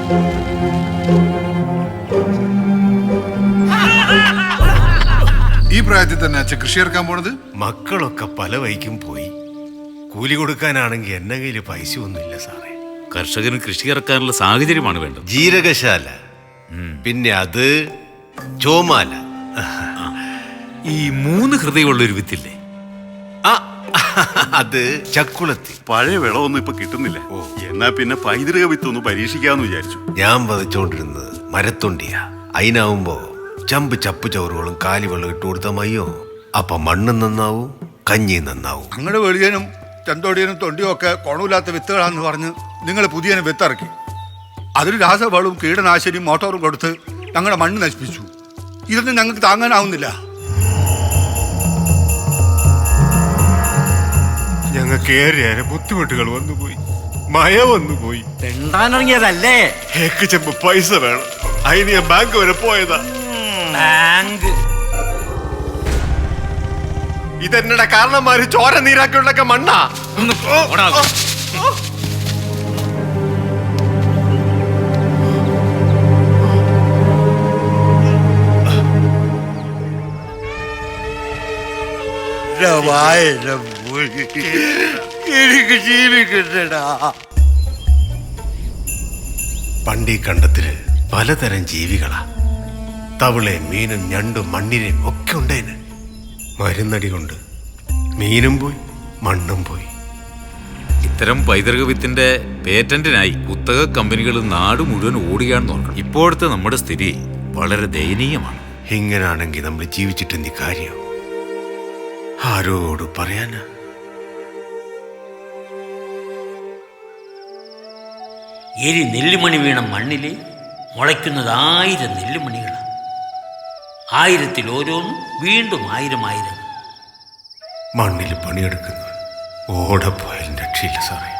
ഈ പ്രായത്തിൽ തന്നെ അച്ഛൻ കൃഷി ഇറക്കാൻ പോണത്? മക്കളൊക്കെ പല വഴിക്കും പോയി. കൂലി കൊടുക്കാനാണെങ്കിൽ എന്റെ കയ്യിൽ പൈസ ഒന്നുമില്ല സാറേ. കർഷകന് കൃഷി ഇറക്കാനുള്ള സാഹചര്യമാണ് വേണ്ടത്. ജീരകശാല, പിന്നെ അത് ചോമാല. ഈ 3 ഹൃദയമുള്ളൊരു വിത്തില്ലേ, അത് ചക്കുളത്തി. പഴയ വിളവൊന്നും ഇപ്പൊ കിട്ടുന്നില്ല. എന്നാ പിന്നെ പൈതൃക വിത്തൊന്ന് പരീക്ഷിക്കാന്ന് വിചാരിച്ചു. ഞാൻ വധിച്ചോണ്ടിരുന്നത് മരത്തൊണ്ടിയാ. അതിനാവുമ്പോ ചപ്പ് ചവറുകളും കാലിവെള്ളം ഇട്ട് കൊടുത്താൽ മയ്യോ. അപ്പൊ മണ്ണും നന്നാവും, കഞ്ഞി നന്നാവും. ഞങ്ങളുടെ വെളിയനും ചെന്തോടിയനും തൊണ്ടിയും ഒക്കെ കുണമില്ലാത്ത വിത്തുകളാന്ന് പറഞ്ഞ് നിങ്ങൾ പുതിയ വിത്തിറക്കി. അതിന് രാസവളവും കീടനാശിനിയും മോട്ടോറും കൊടുത്ത് ഞങ്ങളുടെ മണ്ണ് നശിപ്പിച്ചു. ഇതൊന്നും ഞങ്ങൾക്ക് താങ്ങാനാവുന്നില്ല. ഞങ്ങൾക്ക് ഏറെ ബുദ്ധിമുട്ടുകൾ വന്നുപോയി, മഴ വന്നുപോയി. തെണ്ടാനിറങ്ങിയതല്ലേ? ഏക്ക് ചെമ്പ് പൈസ വേണം. അതിന് ഞാൻ ബാങ്ക് വരെ പോയതാ. ബാങ്ക് ഇതെന്നട കാരണന്മാര് ചോര നീരാക്കിയുള്ളൊക്കെ മണ്ണാ. എനിക്ക് ജീവിക്കണ്ടടാ. പണ്ടീ കണ്ടത്തില് പലതരം ജീവികളാ. തവളയും മീനും ഞണ്ടും മണ്ണിരയും ഒക്കെ ഉണ്ടേന്. മരുന്നടി കൊണ്ട് മീനും പോയി, മണ്ണും പോയി. ഇത്തരം പൈതൃക വിത്തിന്റെ പേറ്റന്റിനായി കുത്തക കമ്പനികൾ നാട് മുഴുവൻ ഓടുകയാണെന്ന് ഓർക്കണം. ഇപ്പോഴത്തെ നമ്മുടെ സ്ഥിതി വളരെ ദയനീയമാണ്. ഇങ്ങനാണെങ്കിൽ നമ്മൾ ജീവിച്ചിട്ടെന്തി കാര്യം? ആരോട് പറയാനാ? എരി നെല്ലുമണി വീണ മണ്ണില് മുളയ്ക്കുന്നത് 1000 നെല്ലുമണികളാണ്. 1000-ൽ ഓരോന്നും വീണ്ടും 1000. മണ്ണിൽ പണിയെടുക്കുന്നവൻ ഓടപ്പോയാലും രക്ഷയില്ല സാറേ.